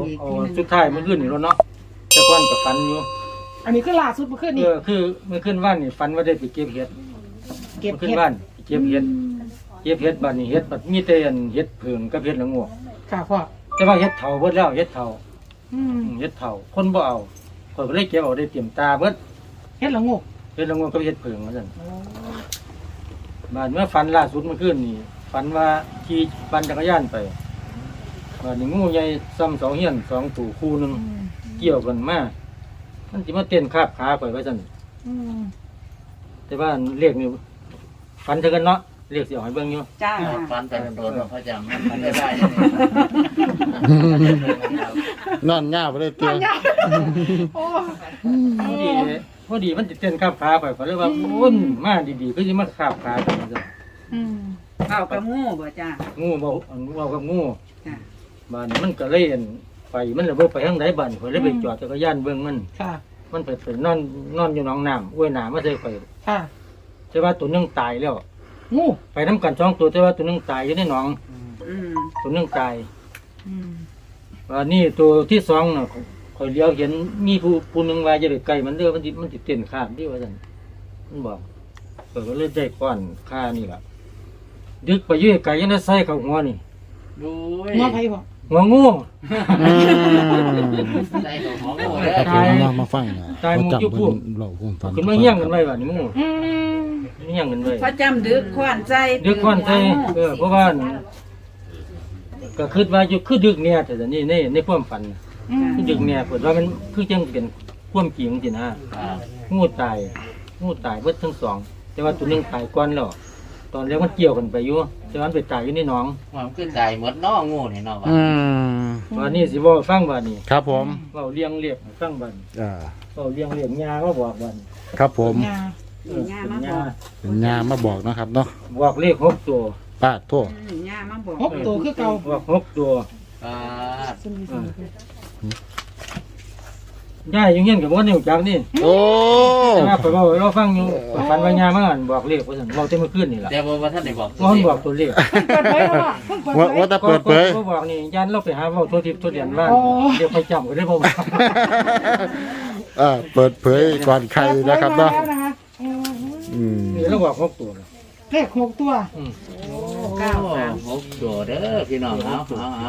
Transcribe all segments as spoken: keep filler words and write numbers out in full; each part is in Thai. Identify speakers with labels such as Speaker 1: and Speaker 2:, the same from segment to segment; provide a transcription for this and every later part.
Speaker 1: อีก
Speaker 2: เอาสุดท้ายเมื่อคืนนี่แล้วเนาะแต่ก่อนก็ฝันอยู่
Speaker 3: อันนี้คือล่าสุดเมื่อคืน
Speaker 2: เอ
Speaker 3: นี้
Speaker 2: อคือเมื่อคืนว่านนี่ฝันว่าได้ไปเก็บเห็ด
Speaker 3: เก็บ
Speaker 2: เมื่อคืน
Speaker 3: เห็ด
Speaker 2: ว่านไปเก็บเห็ดเก็บเห็ดบัดนี้เห็ดบัดมีแต่อันเห็ดเผิงกับเห็ดละโงก
Speaker 3: ค่ะพ่อ
Speaker 2: แต่ว่าเห็ดเถาเบิดแล้วเห็ดเถา
Speaker 3: อืม
Speaker 2: อืมเห็ดเถาคนบ่เอาข่อยก็เลยเก็บเอาได้เตรียมตาเบิด
Speaker 3: เฮ็ดละงก
Speaker 2: เห็ดละโงกกับเห็ดเผิงว่าซั่นบาดเมื่อฝันล่าสุดเมื่อคืนนี่ฝันว่าขี่ปั่นจักรยานไปบาดนี้งูใหญ่ซ้ำเสาเฮียนสองตัวคู่หนึงเกี่ยวกันมามันสิมาเต้นคาบขาข่อยว่าซั่น
Speaker 3: อืม
Speaker 2: แต่ว่าเรียกนี่ฝันเท่ากันเนาะเรียกสิเอาให้เบิ่งอยู่
Speaker 1: จ้า
Speaker 4: ฟันแต่โดนเขาจำมันไม่ได้
Speaker 5: นอนง่าไปเลยเตียง
Speaker 3: โอ้
Speaker 2: พอดีพอดีมันจะเต้นคาบขาข่อยข่อยเลยว่าวุ่นมาดีๆก็สิมาคาบขากันว่าซั่น
Speaker 3: อืม
Speaker 1: เข้ากับงูบ่จ้า
Speaker 2: งูเว้าอันเว้ากับงู
Speaker 1: จ้า
Speaker 2: บ้านนี้มันก็เลยอั่นไปมันเลยบ่ไปทางใดบ้านข่อยเลยไปจอดจักรยานเบิ่งมัน
Speaker 3: ค่ะ
Speaker 2: มันไปไปนอนนอนอยู่หนองน้ำอ้วยน้ำมาใส่ข่อย
Speaker 3: ค่ะ
Speaker 2: แต่ว่าตัวหนึงตายแล้ว
Speaker 3: งู
Speaker 2: ไปนํกันสองตัวแต่ว่าตัวหนึงตายอยู่ในหนอง
Speaker 1: อืม
Speaker 2: ตัวหนึงตาย
Speaker 3: อืม
Speaker 2: ว่านี่ตัวที่สองน่ะข่อยเลี้ยวเห็นมีผู้ผู้หนึงว่าจะไปใกล้มันเด้อมันสิมันสิเต้นข้ามที่ว่าซั่นมันบอกข่อยก็เลยได้ก้อนค่านี่ล่ะดึกไปอยู่ไกลยังได้ใส่เข้าหัวนี่
Speaker 4: ดู
Speaker 3: หัวไผพ่อ
Speaker 2: หัวงู
Speaker 5: อืม
Speaker 4: ใส่ของหมู
Speaker 5: ตายมามาฟังนะ
Speaker 2: ตายหมู่
Speaker 5: จับ
Speaker 2: จุ๊บพวก
Speaker 5: เราความฝัน
Speaker 2: ขึ้นมาเฮี้ยงกันไว้ว่านี่งู
Speaker 3: อืม
Speaker 2: เฮี้ยงกันไว้
Speaker 1: พระจำดึกขวานใจ
Speaker 2: ดึกก้อนใส่เออเพราะว่าก็คิดว่าอยู่คือดึกเนี่ยแต่นี่ในในความฝันน่ะ
Speaker 3: อืม
Speaker 2: คือดึกเนี่ยเปิดว่ามันคือจังเป็นความจริงสินะงูตายงูตายเบิดทั้งสอง แต่ว่าตัวหนึงตายก่อนแล้วตอนแรกมันเกี่ยวกันไปอยู่แต่ว่ามันไปตายอยู่ในหนอง
Speaker 4: มันขึ้นใจหมดน้องูนี่เนาะ
Speaker 5: อืม
Speaker 2: วันนี้สิเว่าให้ฟังว่านี่
Speaker 5: ครับผม
Speaker 2: เว้าเลี้ยงเรียกให้ฟังบัด
Speaker 5: อ่า
Speaker 2: เว้าเลี้ยงเรียกยามาบอกบัด
Speaker 5: ครับผม
Speaker 3: งา
Speaker 2: เออเป็นยา
Speaker 5: เป็นยามาบอกนะครับเนาะ
Speaker 2: บอกเลขหกตัว
Speaker 5: ป้าโทษ
Speaker 1: อืมย่ามาบอก
Speaker 3: หกตัวคือเก่า
Speaker 2: บอกหกตัว
Speaker 4: อ่า
Speaker 2: ย่ายอยู่เงี้ยกับว่านิ้วจักนี่
Speaker 5: โอ้
Speaker 2: แต่ว่าข่อยเว้าให้เราฟังอยู่ข่อยฝันว่ายามาอั่นบอกเลขว่าซั่นเว้าแต่เมื่อคืนนี่ล่ะ
Speaker 4: แต่ว่าท่านได้บอก
Speaker 2: ว่ามันบอกตัวเลข
Speaker 3: เปิดเผยแล้วเพิ่งเปิด
Speaker 5: ว่า
Speaker 3: เผย
Speaker 5: ว่าจะเปิดเผย
Speaker 2: ก็บอกนี่ยันเราไปหาเว้าทั่วทิพย์ทั่วเดียนว่า
Speaker 3: โอ้
Speaker 2: เดี๋ยวไปจำก็ได้บ่ว่า
Speaker 5: อ่าเปิดเผยก่อนใครนะครับเนาะ
Speaker 3: เปิดเผยมาแล้วนะคะอืม
Speaker 5: อืม
Speaker 2: นี่เราบอกหกตัวนะ
Speaker 3: เลขหกตัว
Speaker 2: อืม
Speaker 4: เก้าสามหกตัวเด้อพี่น้องเอาเอาเอา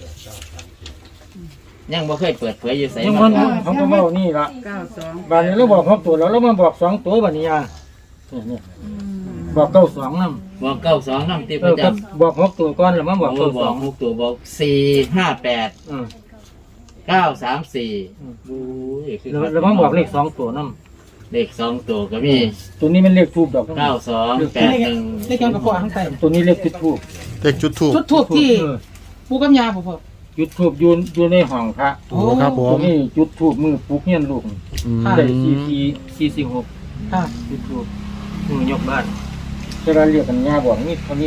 Speaker 4: ยังบ่เคยเปิดเผยอยู่ใส่
Speaker 2: ยัง
Speaker 4: มั
Speaker 2: มัน นเขาก็เว้านี่ล่ะ
Speaker 1: เก้าสอง
Speaker 2: บาดนี้เราบอกหกตัวแล้วเรามาบอกสองตัวบัดนี้อ่ะเนี่ยเนี่ยบอกเก้าสองนำ
Speaker 4: บอกเก้าสองน้ำติ
Speaker 2: เอ
Speaker 4: ประ
Speaker 2: อ
Speaker 4: จ
Speaker 2: ก็บอกหกตัวก่อนแล้วมาบอก
Speaker 4: ำ
Speaker 2: เก้า
Speaker 4: บ
Speaker 2: ส
Speaker 4: อ
Speaker 2: อก ง
Speaker 4: หกตัวบอกสี่ห้าแปด
Speaker 2: อืม
Speaker 4: เก้าสามสี่
Speaker 2: อืม
Speaker 4: บู๊ยคือ
Speaker 2: แล้วแล้วมาบอกเลขสองตัวนำ
Speaker 4: เลขสองตัวก็มี
Speaker 2: ตัวนี้มันเลขทูบดอก
Speaker 4: เก้าสองแปดหนึ่ง
Speaker 3: เลขการประกอบข้างใต้
Speaker 2: ตัวนี้เลขจุดทูบ
Speaker 5: เด็กจุดถูก
Speaker 3: ชุดทูบที่
Speaker 2: เออ
Speaker 3: ปูกำยาบ่พ่อ
Speaker 2: จุดทูบอยู่อยู่ในห้องพระ
Speaker 5: โอ้ครับผ
Speaker 2: ตัว
Speaker 5: ม
Speaker 2: นี้จุดทูบมือปลุกเฮียนลูก
Speaker 5: อืม
Speaker 2: ได้สี่สี่สี่สี่หก
Speaker 3: ค่ะ
Speaker 2: จุดทูบมือยกบ้านแต่เราเรียกกันย่าบอกนี่เท่านี้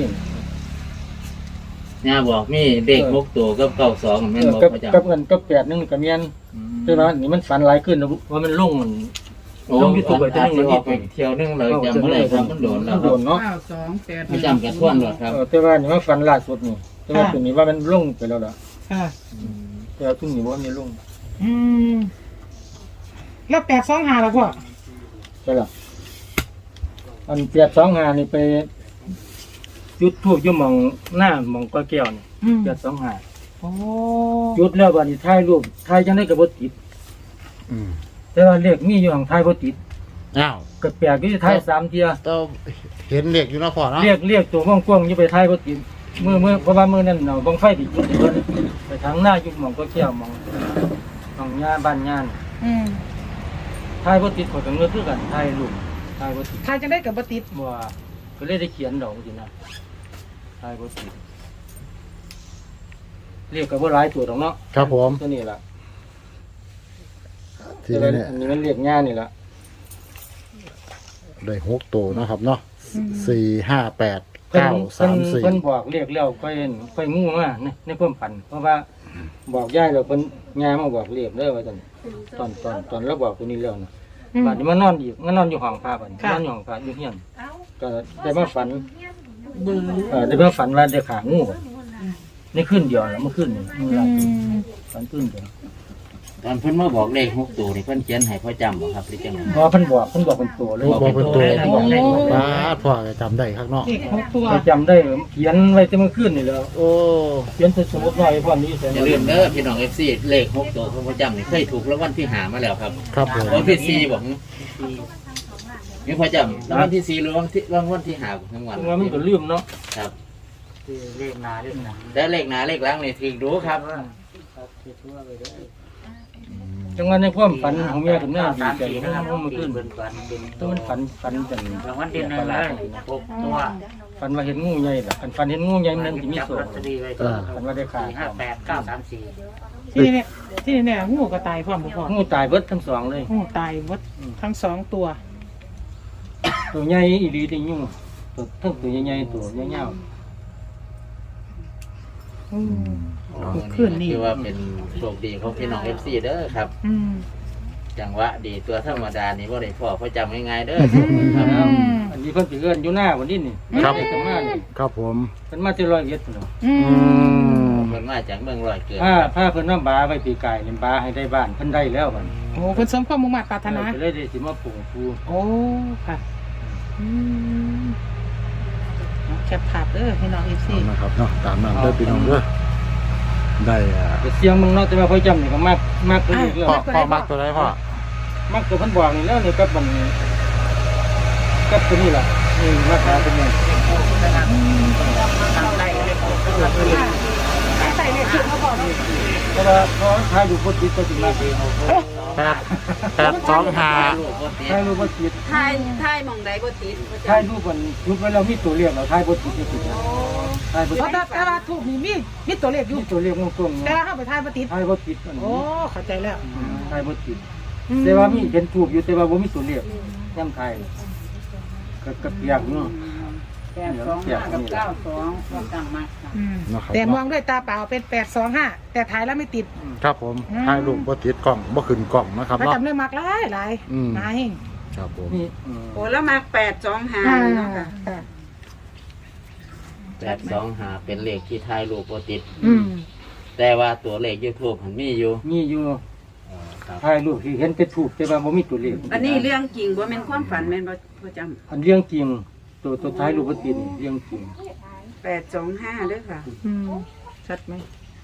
Speaker 4: เนี่ยบอกมีเลขหกตัวกับเก้าสองแม่นบอก
Speaker 2: กับ
Speaker 4: ประจ
Speaker 2: กับเงินกับแปดหนึงกับเมียน
Speaker 4: ำ
Speaker 2: แต่ว่านี่มันฝันหลายขึ้นนะว่ามันลงมัน
Speaker 4: โอ้
Speaker 2: ต้องมีตัวไป
Speaker 4: อาจ
Speaker 2: ตัวหนึ่ง
Speaker 4: จะออกไปเที่ยวนึงเลยจำไม่ได้ครับมันโดนแล้ว
Speaker 2: มัน
Speaker 4: ค
Speaker 2: โด
Speaker 4: รับ
Speaker 2: นเนาะ
Speaker 1: เก้าสองแปด
Speaker 4: ไม่จำกันท่วนหรอกครับ
Speaker 2: เออแต่ว่านี่มันฝันล่าสุดนี่แต่ว่าตัวนี้ว่ามันลงไปแล้วล่ะ
Speaker 3: ค่ะ
Speaker 2: แต่ว่าตัวนี้ว่ามันลง
Speaker 3: อืมแล้วแปดสองห้าแล้วพ่อ
Speaker 2: ใช่ล่ะอันแปดสองห้านี่ไปจุดทูบอยู่หมองหน้าหมองก้อยแก้วนี่
Speaker 3: อืม
Speaker 2: แปดสองห้า
Speaker 3: โอ้
Speaker 2: จุดแล้วบัดนี้ถ่ายรูปถ่ายจังได๋ก็บ่ติด
Speaker 5: อืม
Speaker 2: แต่ว่าเลขมีอยู่ของถ่ายบ่ติด
Speaker 5: อ้าว
Speaker 2: ก็แปลกอยู่ถ่ายสามเที่ย
Speaker 5: ต้องเห็นเด็กอยู่เนาะพ่อเนาะ
Speaker 2: เรียกเรียกตัวกว้างๆอยู่ไปถ่ายบ่ติดมือมือเพราะว่ามือนั่นเนาะบังไฟติดอยู่ที่เพิ่นไปทางหน้าอยู่หม่องก้อยแก้วหม่องหม่องหญ้าบ้านหญ้านี่
Speaker 3: อืม
Speaker 2: ถ่ายบ่ติดข้อยก็เงือกคือกันถ่ายรูปถ่ายบ่ติด
Speaker 3: ทายจะได้กับบ่ติด
Speaker 2: บ่ว่าก็เลยได้เขียนดอกสินะถ่ายบ่ติดเรียกก็บ่หลายตัวดอกเนาะ
Speaker 5: ครับผม
Speaker 2: ตัวนี้ล่ะ
Speaker 5: ที
Speaker 2: แต่
Speaker 5: นี้
Speaker 2: ว่า
Speaker 5: เนี่ย
Speaker 2: อันนี้มันเรียกหญ้านี่ล่ะ
Speaker 5: ได้หกตัวนะครับเนาะสี่ห้าแปด
Speaker 2: เพิ่น
Speaker 5: เก้า
Speaker 2: เพิ่
Speaker 5: สาน มสี่
Speaker 2: เพิ่นบอกเรียกแล้วค่อยเห็นค่อยงูมาในในความฝัน เพราะว่าบอกยายแล้วเพิ่นยายมาบอกเรียกเด้อว่าซั่นตอนตอนตอนเราบอกตัวนี้แล้วนะ
Speaker 3: อืม
Speaker 2: บัดนี้มานอนอีกมานอนอยู่ห้องพระบัดนี้
Speaker 3: ค่ะ
Speaker 2: นอนอยู่ห้องพระอยู่เฮียนก็ได้มาฝันเออได้มาฝันว่าได้ขางูในขึ้นเดียวแล้วเมื่อขึ้นนี่มือ
Speaker 3: อื
Speaker 2: ละ
Speaker 3: ม
Speaker 2: ฝันขึ้นเดียว
Speaker 4: ตอนเพิ่นมาบอกเลขหกตัวนี่เพิ่นเขียนให้พ่อจำบ่ครับหรือจังได๋
Speaker 2: พอเพิ่นบอกเพิ่นบอกเป็นตัวเลย
Speaker 5: โอ้บอกเป็นตัว
Speaker 3: โอ้
Speaker 5: ป้าดพ่อจะจำได้ข้างนอก
Speaker 3: เด็กหกตัว
Speaker 2: ไปจำได้เขียนไว้ที่เมื่อคืนนี่แล้ว
Speaker 5: โอ้
Speaker 2: เขียนใส่สมุดไว้พร้อมนี้ใส่
Speaker 4: อย่าลืมเด้อพี่น้อง เอฟ ซี เลขหกตัวของพ่อจำนี่เคยถูกรางวัลที่หามาแล้วครับ
Speaker 5: ครับผม
Speaker 4: รางวัลที่สี่บอกมีพ่อจำรางวัลที่สี่หรือรางวัลที่รางวัลที่หาของรางวัล
Speaker 2: ว่ามันก็ลืมเนาะ
Speaker 4: ครับ
Speaker 2: เลขหน้าเลขหน้า
Speaker 4: แต่เลขหน้าเลขหลังนี่ถึงรู้ครับ
Speaker 2: จังหวะในความฝันของเมียกับแม่ดีใจเพราะว่าเมื่อคืนต้องมันฝันฝันจังรางวัลที่หนึ่งเลยหกตัวฝันว่าเห็นงูใหญ่ล่ะฝันเห็นงูใหญ่มันสิมีโซ่
Speaker 5: อ่า
Speaker 2: ฝันว่าได้ขาห้าแปดเก้าสามสี่
Speaker 3: ที่นี่เนี่ยที่นี่เนี่ยงูก็ตายพร้อมบ่พ่อ
Speaker 2: งูตายเบิดทั้งสองเลย
Speaker 3: งูตายหมดทั้งสองตัว
Speaker 2: ตัวใหญ่อีหลีที่ยุ่งตัวทั้งตัวใหญ่ๆตัวใหญ่
Speaker 3: อืม
Speaker 4: อ๋อ
Speaker 3: คืนนี้
Speaker 4: ถือว่าเป็นโชคดีของพี่น้อง เอฟ ซี เด้อครับ
Speaker 3: อืม
Speaker 4: จังหวะดีตัวธรรมดานี่บ่ได้พ่อพ่อจำง่ายๆเด้อ
Speaker 3: อืม
Speaker 4: ครับ
Speaker 2: ๆอันนี้เพิ่นสิเอิ้นอยู่หน้าวันนี้นี่
Speaker 5: ครับ
Speaker 2: เพิ่นมานี่
Speaker 5: ครับผม
Speaker 2: เพิ่นมาจะร้อยเอ็ดพุ่นเนาะ
Speaker 3: อื
Speaker 5: อื
Speaker 3: ม
Speaker 5: ม
Speaker 4: เพิ่นมาจากเมืองร้อยเกิด
Speaker 2: ถ้าถ้าเพิ่นน้ำบาไว้ปีกายเล่นบาให้ได้บ้านเพิ่นได้แล้วบัด
Speaker 3: โอ้เพิ่นสมความมุ่งมั่นปรารถนา
Speaker 2: ก็เลยได้สิมาปลูกปู
Speaker 3: โอ้ค่ะอืมแคปภาพเด้อพี่น้อง เอฟ ซี
Speaker 5: เอานะครับเนาะตามนั้นเด้อพี่น้องเด้อได้อ่ะ
Speaker 2: ก็เสียงมึงเนาะแต่ว่าพ่อจำนี่ก็มากมากตัวนี้เรื่อง
Speaker 5: พ่อพ่อมักตัวไหนพ่อ
Speaker 2: มากตัวเพิ่นบอกนี่แล้วนี่กับมันกับตัวนี้ล่ะนี่มาหาตัวนี้
Speaker 3: ใส่เลขชุดเขาบอก
Speaker 2: เพราะว่าพอทายอยู่พุทธิก็สิมา
Speaker 5: แปดแปดสองห้า
Speaker 4: ลูกบ่ติด
Speaker 2: ทายรูปบ่ติด
Speaker 1: ทายทายหมองใดบ่ติด
Speaker 2: ทายรูปมันรูปไว้แล้วมีตัวเลขแล้วทายบ่ติดนี่ติดนะทายบ่
Speaker 3: เพ
Speaker 2: ติ
Speaker 3: ราะ
Speaker 2: ด
Speaker 3: แต่แต่ว่าถูกมีมีมีตัวเลขอยู่
Speaker 2: มีตัวเลขตรงๆ
Speaker 3: แต่
Speaker 2: นะ
Speaker 3: ว่าเข้าไปทายปฏิทิน
Speaker 2: ทายบ่ติดอัน
Speaker 3: โอ้
Speaker 2: นี้
Speaker 3: เข้าใจแล้ว
Speaker 2: ทายบ่ติดแต่ว่ามีเห็นถูกอยู่แต่ว่าบ่มีตัวเลขย่ำไทยก็ก็เปียกเนาะ
Speaker 1: แปดสองห้ากับเก้าสองก็ตั้งมาค่ะ
Speaker 3: อืม
Speaker 5: นะครับ
Speaker 3: แต่มองด้วยตาเปล่าเป็นแปดสองห้าแต่ถ่ายแล้วไม่ติด
Speaker 5: ครับผม
Speaker 3: อืม
Speaker 5: ถ่ายรูปบ่ติดกล้องบ่ขึ้นกล้องนะครับ
Speaker 3: ประ
Speaker 5: เนาะ
Speaker 3: จำเรื่องมากหลายหลาย
Speaker 5: อืม
Speaker 3: นาย
Speaker 5: ครับผม
Speaker 2: นี่อืม
Speaker 1: โอ้แล้วมาแปดสองห้า
Speaker 3: อ่า
Speaker 1: เนาะค่ะ
Speaker 3: ค่ะ
Speaker 4: แปดสองห้าเป็นเลขที่ถ่ายรูปบ่ติด
Speaker 3: อืม
Speaker 4: แต่ว่าตัวเลข YouTube มันมีอยู่
Speaker 2: มีอยู่
Speaker 4: อ๋อครับ
Speaker 2: ถ่ายรูปที่เห็นแต่ถูกแต่ว่าบ่มีตัวเลข
Speaker 1: อันนี้เรื่องจริงบ่แม่นความฝันแม่นบ่พ่อจำ
Speaker 2: อันเรื่องจริงตัวตัวท้ายรูปบ่ติดนี่เรื่องจริง
Speaker 1: แปดสองห้าเด้อค่ะ
Speaker 3: อืมชัดไหม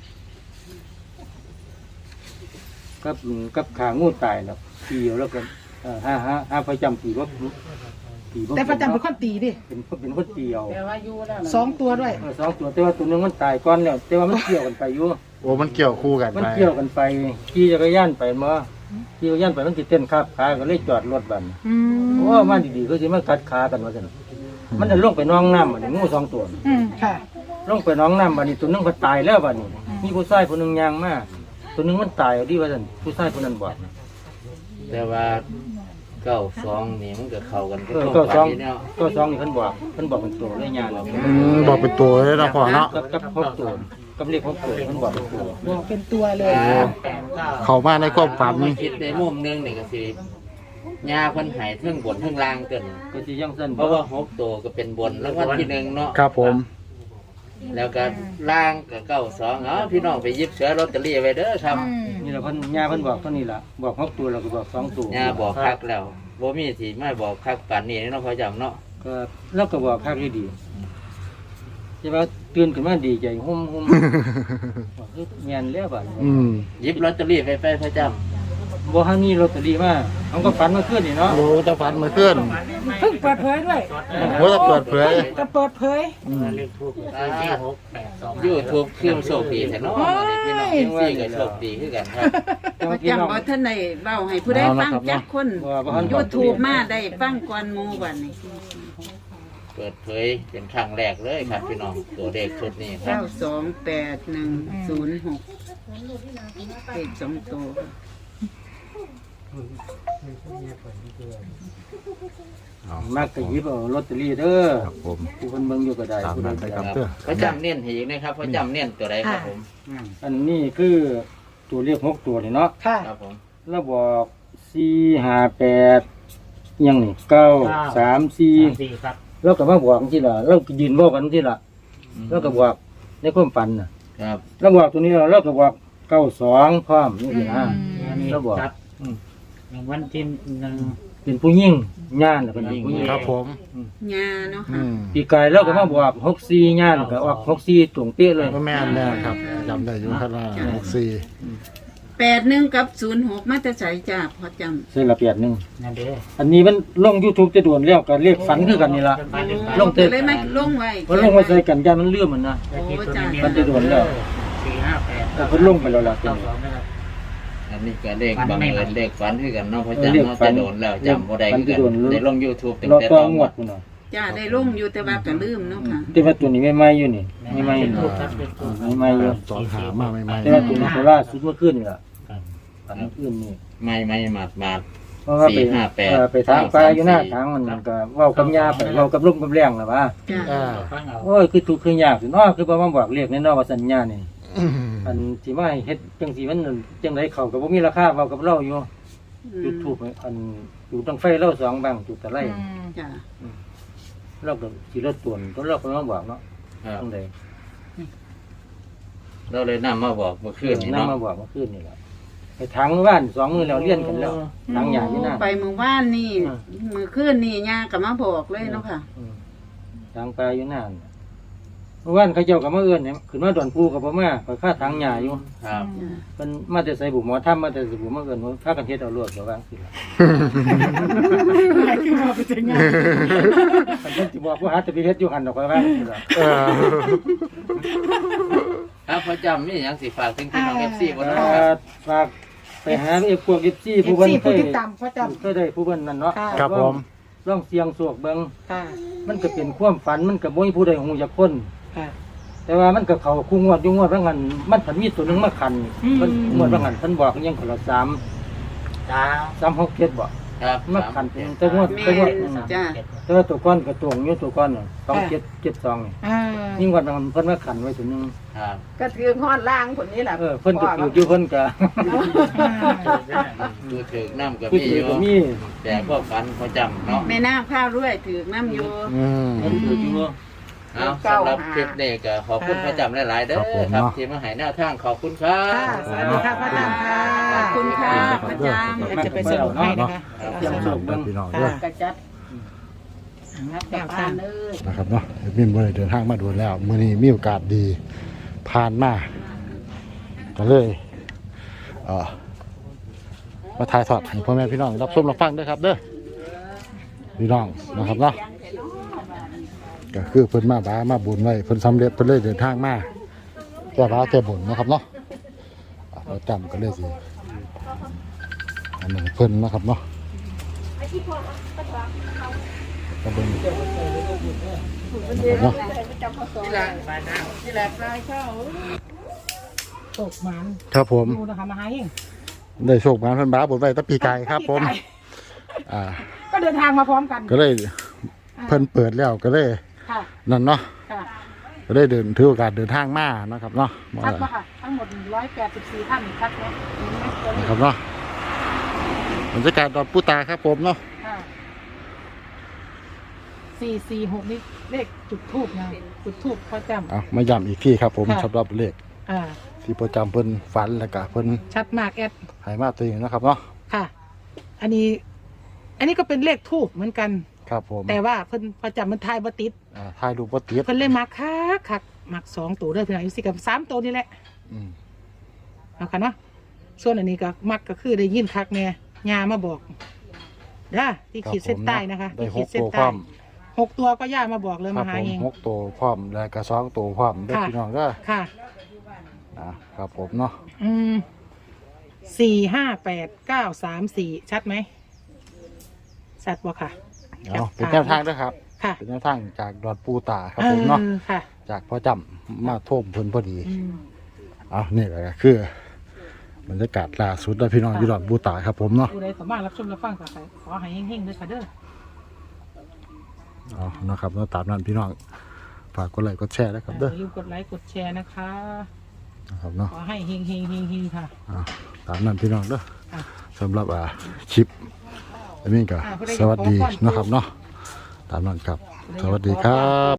Speaker 2: กับกับขางูตายแล้วปีเดียวแล้วกันเอ่อห้าห้าห้าประจำปีว่าปีบ่
Speaker 3: แต่ประจำเป็นคนตีดิ
Speaker 2: เป็นคนเป็นคนเดียว
Speaker 3: สองตัวด้วย
Speaker 2: เออสองตัวแต่ว่าตัวหนึงมันตายก่อนแล้วแต่ว่ามันเกี่ยวกันไปอยู่
Speaker 5: โอ้มันเกี่ยวคู่กัน
Speaker 2: มัน
Speaker 5: ไป
Speaker 2: เกี่ยวกันไปขี่จักรยานไปมาขี่จักรยานไปมันสิเต้นคาบขาก็เลยจอดรถบัด
Speaker 3: อืม
Speaker 2: โอ้มาดีๆก็สิมากัดขากันว่าซั่นมันจะลงไปน้องน้ำบัดนี้งูสองตัว
Speaker 3: อืมค่ะ
Speaker 2: ลงไปน้องน้ำบัดนี้ตัวหนึงก็ตายแล้วบัดนี้มีผู้ชายคนหนึงยางมาตัวหนึงมันตายเอาดีว่าซั่นผู้ชายคนนั้นบอก
Speaker 4: แต่ว่าเก้าสองนี่มันก็เข้ากันกับ
Speaker 2: เออ
Speaker 4: ตัว
Speaker 2: ก็สอง
Speaker 4: ฝันนี่เนาะ
Speaker 2: ก็สองนี่เพิ่นบอกเพิ่นบอกเป็นตัวเลยยางเรา
Speaker 5: อืมบอกเป็นตัวเลยนะพ่อเนาะ
Speaker 2: กับกับหกตัวกับเลขหกตัวเพิ่นบอกเป็นตัว
Speaker 3: บอกเป็นตัวเลย
Speaker 5: เข้ามาในความฝัน
Speaker 4: มาคิดในมุมหนึงนี่ก็สิยาเพิ่นให้เทิงบนเทิงล่างเกิน
Speaker 2: ก็สิยังซั่น
Speaker 4: เพราะว่าหกตัวก็เป็นบนแล้ววันที่หนึ่งเนาะ
Speaker 5: ครับผม
Speaker 4: แล้วก็ล่างก็เก้าสองเอาพี่น้องไปหยิบเสือลอตเตอรี่ไว้เด้อครับ
Speaker 3: อืม
Speaker 2: นี่แหละเพิ่นย่าเพิ่นบอกเท่านี้ล่ะบอกหกตัวแล้วก็บอกสองตัวย
Speaker 4: าบอกคักแล้วบ่มีสิไม่บอกคักปานนี้เนาะพ่อจำเนาะ
Speaker 2: ก็แล้วก็บอกคักดีๆใช่ว่าตื่นขึ้นมาดีใจหุ่มหุ่มบอกเฮ้ยแม่นแล้วบัดนี้
Speaker 5: อืม
Speaker 4: หยิบลอตเตอรี่ไปไปพ่อจ
Speaker 2: บ่ทันมีลอตเตอรี่มาเอาก็ฝันเมื่อคืนนี่เนาะ
Speaker 5: โอ้จะฝันเมื่อคืน
Speaker 3: เพิ่งเปิดเผยด้วย
Speaker 5: โอ้จะเปิดเผย
Speaker 3: จะเปิดเผย
Speaker 5: อืม
Speaker 4: ำยูทูบคือโชคดีแท้เนาะพี่น้องเอ็มซีก็โชคดีคือกันครับ
Speaker 2: แต่
Speaker 1: พ่อ
Speaker 2: ว่าพี่น้อง
Speaker 1: จำบ่ทันได้เว้าให้ผู้ใดฟังจักคน
Speaker 2: ว่าบ่ทัน
Speaker 1: YouTube มาได้ฟังก่อนหมู่บัดนี้
Speaker 4: เปิดเผยเป็นครั้งแรกเลยครับ พี่น้องตัวเลขชุดนี้ครับ
Speaker 1: เก้าสองแปดหนึ่งศูนย์หกเลขสองตัว
Speaker 2: มักก็หยิบเอาลอตเตอรี่เด้อ
Speaker 5: ครับผม
Speaker 2: ผู้เพิ่นเบิ่งอยู่ก็ได้
Speaker 5: ตาม
Speaker 2: ผู้ใด
Speaker 5: นั้นไป
Speaker 2: ก็
Speaker 5: ครับ
Speaker 2: ได้
Speaker 5: เด้อ
Speaker 4: พ่อจำเน้นให้อีกนะครับพ่อจำเน้นตัวใดครับผม
Speaker 2: อันนี้คือตัวเลขหกตัวนี่เนาะ
Speaker 3: ค่ะ
Speaker 4: ครับผม
Speaker 2: แล้วบอกสี่ห้าแปดยังนี่เก้าสามสี่แล้วก็มาบอกที่ละเราก็ยืนบอกกันที่ละแล้วก็บอกในความฝันน่ะ
Speaker 4: ครับ
Speaker 2: แล้วบอกตัวนี้เราก็บอกเก้าสองพร้อมนี่สินะ
Speaker 6: อันนี้
Speaker 2: แล้วบอก
Speaker 6: ครับรางวัลที่หนึ่ง
Speaker 2: เป็นผู้ยิ่งญาณเป็นผู้ยิ่ง
Speaker 5: ครับผม
Speaker 1: ยาเนาะ
Speaker 5: อื
Speaker 1: ค่ะ
Speaker 5: ม
Speaker 2: ปีกายเราก็มาบอกหกสี่ญาณก็ออกหกสี่ตรงเป๊ะเลย
Speaker 5: ก็แม่นแน่ครับจำได้อยู่ครับว่าหกสี่
Speaker 1: แปดหนึ่งกับศูนย์หกมาจะใส่จ้าพอจำ
Speaker 2: เส้นละเปียดหนึ่ง
Speaker 6: นั่นเด้อ
Speaker 2: อันนี้มันลง YouTube จะด่วนแล้วก็เรียกฝันคือกันนี่ละ ลงเตะ
Speaker 1: เลยไหมลงไว้
Speaker 2: เพราะลงมาใส่กันยันมันเลื่อมมันนะ
Speaker 6: แล้วที่ตัวนี้
Speaker 2: มันจะด่วนแล้ว
Speaker 6: สี่ห้าแปด
Speaker 2: แต่เพิ่นลงไปแล้วล่ะ
Speaker 6: เก้าสองนะครับ
Speaker 4: อันนี้ก็เลขบังเอิญเลขฝันคือกันเนาะเพราะจำเนาะจะโดนแล้วจำบ่ได้คือกันได้ลง YouTube ตั้ง
Speaker 2: รอ
Speaker 4: แต่
Speaker 2: ต่
Speaker 4: ต
Speaker 2: อ
Speaker 4: อน
Speaker 2: ง
Speaker 4: ง
Speaker 2: ว
Speaker 4: ว
Speaker 2: ด
Speaker 4: ด
Speaker 2: พุ่นน่ะ
Speaker 1: จ้าได้ลงอยู่แต่ว่าก็ลืมเนาะค่ะ
Speaker 2: แต่ว่าตัวนี้ไม่ไหม้อยู่นี่ไม่ไหม้อยู่
Speaker 6: ทูบครับเป็นทูบ
Speaker 2: ไม่ไหม้อยู่
Speaker 5: สองหามาใหม่
Speaker 2: แต่ว่าตัวนี้โคราชสุดเมื่อคืนนี่ล่ะฝันเมื่อคืนนี่
Speaker 4: ไม่ไม่หมาดหมาด
Speaker 2: เพราะว่าไป
Speaker 4: สี่ห้าแปด
Speaker 2: เออไปทางปลาอยู่หน้าทางมันก็เว้ากับยาไปเว้ากับลุงกับแรงล่ะว่า
Speaker 1: จ้า
Speaker 5: อ่า
Speaker 6: ฟังเอา
Speaker 2: โอ้ยคือทุกข์คือยากสิเนาะคือบ่มาบอกเรียกแน่นอนว่าสัญญานี่
Speaker 5: อืม
Speaker 2: อันที่มาให้เฮ็ดจังซี่มันจังไดเข้าก็บ่มีราคาเว้ากับเราอยู่จุดทูปอันอยู่ตั้งไฟเราสองบังจุดตะไล
Speaker 1: จ้า
Speaker 2: เราก็สิรถตวนตัวเราก็มาบอกเนาะ
Speaker 4: ครับ
Speaker 2: จังได
Speaker 4: เราเลยนำมาบอกเมื่อคืนนี้
Speaker 2: นำ
Speaker 4: เนาะ
Speaker 2: มาบอกเมื่อคืนนี่ล่ะไปทางบ้านสองมื้อแล้วเรียนกันแล้วทางหยาอยู่นั่น
Speaker 1: ไปเมื่อวานนี่มือคืนนี่ยาก็มาบอกเลยเนาะค่ะ
Speaker 2: อืมทางปลาอยู่นั่นเมื่อวานเขาเจ้าก็มาเอิ้นเนี่ยขึ้นมาดอนปูก็บ่มาไปค่าทางหยาอยู่
Speaker 4: ครับ
Speaker 2: เพิ่นมาแต่ใส่บุหมอทำมาแต่ใส่บุมาเอิ้นว่าพากันเฮ็ดเอารวดก็ว่าจังซี่ล่ะ
Speaker 3: คือมาเป็นยังไง
Speaker 2: เพิ่นสิบอกว่าหาแต่ไปเฮ็ดอยู่หั่นดอกก็ว่าจังซี่ล่ะ
Speaker 5: เออ
Speaker 4: ครับพอจำมีหยังสิฝากถึงพี่น้อง เอฟ ซี บ่เนาะ
Speaker 2: เอ่
Speaker 4: ครับ
Speaker 2: อฝากไปหาเอฟพวก เอฟ ซี
Speaker 3: เอ
Speaker 2: ผู้
Speaker 3: ฟ
Speaker 2: เพิ่น
Speaker 3: ซี
Speaker 2: เค
Speaker 3: ผู้
Speaker 2: ย
Speaker 3: ติดตามพ่อจ
Speaker 2: เคยได้ผู้เพิ่นนั่นเนาะ
Speaker 3: ค่ะ
Speaker 5: ครับผม
Speaker 2: ลองเสียงโศกเบิ่ง
Speaker 3: ำค่ะ
Speaker 2: มันก็เป็นความฝันมันก็บ่มีผู้ใดฮู้จักคน
Speaker 3: ค่ะ
Speaker 2: แต่ว่ามันก็เข้าคู่งวดอยู่งวดว่างั้นมันผันมีตัวหนึงมาขัน
Speaker 3: อืม
Speaker 2: มันงวดว่างั้นเพิ่นบอกยังคนละสาม
Speaker 6: จ้า
Speaker 2: สามหกเจ็ดบ่
Speaker 4: ครับ
Speaker 2: มาขันเป็นแต่งวด
Speaker 1: แม่
Speaker 2: แต่งวด
Speaker 1: นจ้า
Speaker 2: แต่ว่าตัวก้อนก็ตรงอยู่ตัวก้อนน่ะสองเจ็ดเจ็ดสองนี่
Speaker 3: อ่า
Speaker 2: นี่งวดว่างั้นเพิ่นมาขันไว้ตัวหนึง
Speaker 4: ครับ
Speaker 7: ก็ถือห้อนล่างผลนี้แหละ
Speaker 2: เออเพิ่นก็ถืออยู่เพิ่นก็
Speaker 4: ดูถึกน้ำก็
Speaker 2: คือ
Speaker 4: มี
Speaker 2: ถื
Speaker 4: อ
Speaker 2: อยู่ ก็มี
Speaker 4: แต่ก็ฝันพอจำเนาะ
Speaker 1: แม่น้ำข้าวด้วยถือน้ำอยู่
Speaker 5: อืม
Speaker 2: เพิ่นถืออยู่
Speaker 4: เอาสำหรับคลิปนี้ก็ขอบคุณพระจำหลายๆเด้อ
Speaker 5: ครับผม
Speaker 4: ครับ
Speaker 5: เนาะ
Speaker 4: ที่มาให้แนวทางขอบคุณครับ
Speaker 3: ค่ะสวัสดีค่ะพ่อจำค่ะ
Speaker 1: ขอบคุณค่ะประจ
Speaker 3: เดี๋ยวจะไปสรุปให้นะคะ
Speaker 2: เสียงโศกเบิ่ง
Speaker 5: พี่น้องเด้อ
Speaker 7: กระจัดนับกับบ้านเลย
Speaker 5: นะครับเนาะเอ็ดมินบ่ได้เดินทางมาด่วนแล้วมื้อนี้มีโอกาสดีผ่านมาก็เลยเอ่อมาถ่ายทอดให้พ่อแม่พี่น้องรับชมรับฟังด้วยครับเด้อพี่น้องนะครับเนาะก็คือเพิ่นมาบ้ามาบุญไว้เพิ่นสำเร็จเพิ่นเลยเดินทางมาแก้บ้าแก้บุญนะครับเนาะอ่ะเราจำก็เลยสิอันนี้เพิ่นนะครับเนาะก็เป็นนะครับเนาะ
Speaker 7: นี่แหละปลายเข้า
Speaker 3: ตกมัน
Speaker 5: ครับผม
Speaker 3: ดูนะคะมาให้เอง
Speaker 5: ได้โชคมาเพิ่นบ้าบุญไว้ตั้งปีไก่ครับผมอ่า
Speaker 3: ก็เดินทางมาพร้อมกัน
Speaker 5: ก็เลยเพิ่นเปิดแล้วก็เลย
Speaker 3: ค่ะ
Speaker 5: นั่นเนาะ
Speaker 3: ค่ะ
Speaker 5: ก็เลยเดินถือโอกาสเดินทางมานะครับเนาะ
Speaker 3: ชัดปะค่ะ ทั้งหมดร้อยแปดสิบสี่ท่านชัดไหมมีไหมตัวเล
Speaker 5: นะ
Speaker 3: ข
Speaker 5: ครับเนาะบรรยากาศดอนปูตาครับผมเนาะ
Speaker 3: ค่ะสี่สี่หกนี่เลขจุดทูบนะจุดทูบพ่อจ
Speaker 5: เอามาย้ำอีกที่ครับผม
Speaker 3: ค่ะ
Speaker 5: สำหรับเลข
Speaker 3: ำอ่า
Speaker 5: ที่ประจำเพิ่นฝันแล้วก็เพิ่น
Speaker 3: ชัดมากแอด
Speaker 5: ใหายมาตัวเองนะครับเนาะ
Speaker 3: ค่ะ อันนี้ อันนี้ก็เป็นเลขทูบเหมือนกัน
Speaker 5: ครับผม
Speaker 3: แต่ว่าเพิ่นพอจำมันทายบ่ติด
Speaker 5: อ่าถ่ายรูปบ่ติด
Speaker 3: เพิ่นเลยมักคักคักมักสองตัวเด้อพี่น้องอยู่สิกับสามตัวนี่แหละ
Speaker 5: อืม
Speaker 3: เอาค่ะเนาะส่วนอันนี้ก็มักก็คือได้ยินคักแน่ยามาบอกเด้อที่ขีดเส้นใต้นะคะ
Speaker 5: ได้
Speaker 3: ที่
Speaker 5: ห
Speaker 3: ขี
Speaker 5: ก
Speaker 3: ดเส้น
Speaker 5: ตัวพ
Speaker 3: ใต้
Speaker 5: ร้อม
Speaker 3: หกตัวก็ย่ามาบอกเลย
Speaker 5: ครั
Speaker 3: มา
Speaker 5: บ
Speaker 3: หา
Speaker 5: ผม
Speaker 3: เอง
Speaker 5: หกตัวพร้อมแล้วก็สองตัวพร้อมเด้อ
Speaker 3: ค่ะ
Speaker 5: พี่น้องเด้อ
Speaker 3: ค่ะ
Speaker 5: อ่าครับผมเนาะ
Speaker 3: อืมสี่ห้าแปดเก้าสามสี่ชัดไหมชัดบ่ค่ะ
Speaker 5: เอาเป็นแนวทางเด้อครับ
Speaker 3: ค่ะ
Speaker 5: เป็นแนวทางจากดอนปูตาครับผมเนาะ
Speaker 3: ออค่ะ
Speaker 5: จากพ่อจำมาท่วมเพิ่นพอดี
Speaker 3: อืม
Speaker 5: เอานี่แหละคือบรรยากาศล่าสุดแล้วพี่น้องอยู่ดอนปูตาครับผมเนาะ
Speaker 3: ผู้ใดสามารถรับชมรับฟังต่อไปขอให้เฮงๆด้วยค่ะเด้อ
Speaker 5: เอานะครับเราตามนั้นพี่น้องฝากกดไลค์กดแชร์นะครับ
Speaker 3: อ
Speaker 5: เด้อ
Speaker 3: ย่าลืมกดไลค์กดแชร์นะคะ
Speaker 5: นะครับเนาะ
Speaker 3: ขอให้เฮงเฮงเฮงเฮงค่ะ
Speaker 5: เอาตามนั้นพี่น้องเด้อ
Speaker 3: อ่ะ
Speaker 5: สำหรับอ่าคลิปอันนี้ก็
Speaker 3: อ่ะผู้ใด
Speaker 5: สวัสดี
Speaker 3: ขอก่อน
Speaker 5: นะครับเนาะตามนั้นครับ สวัสดีครับ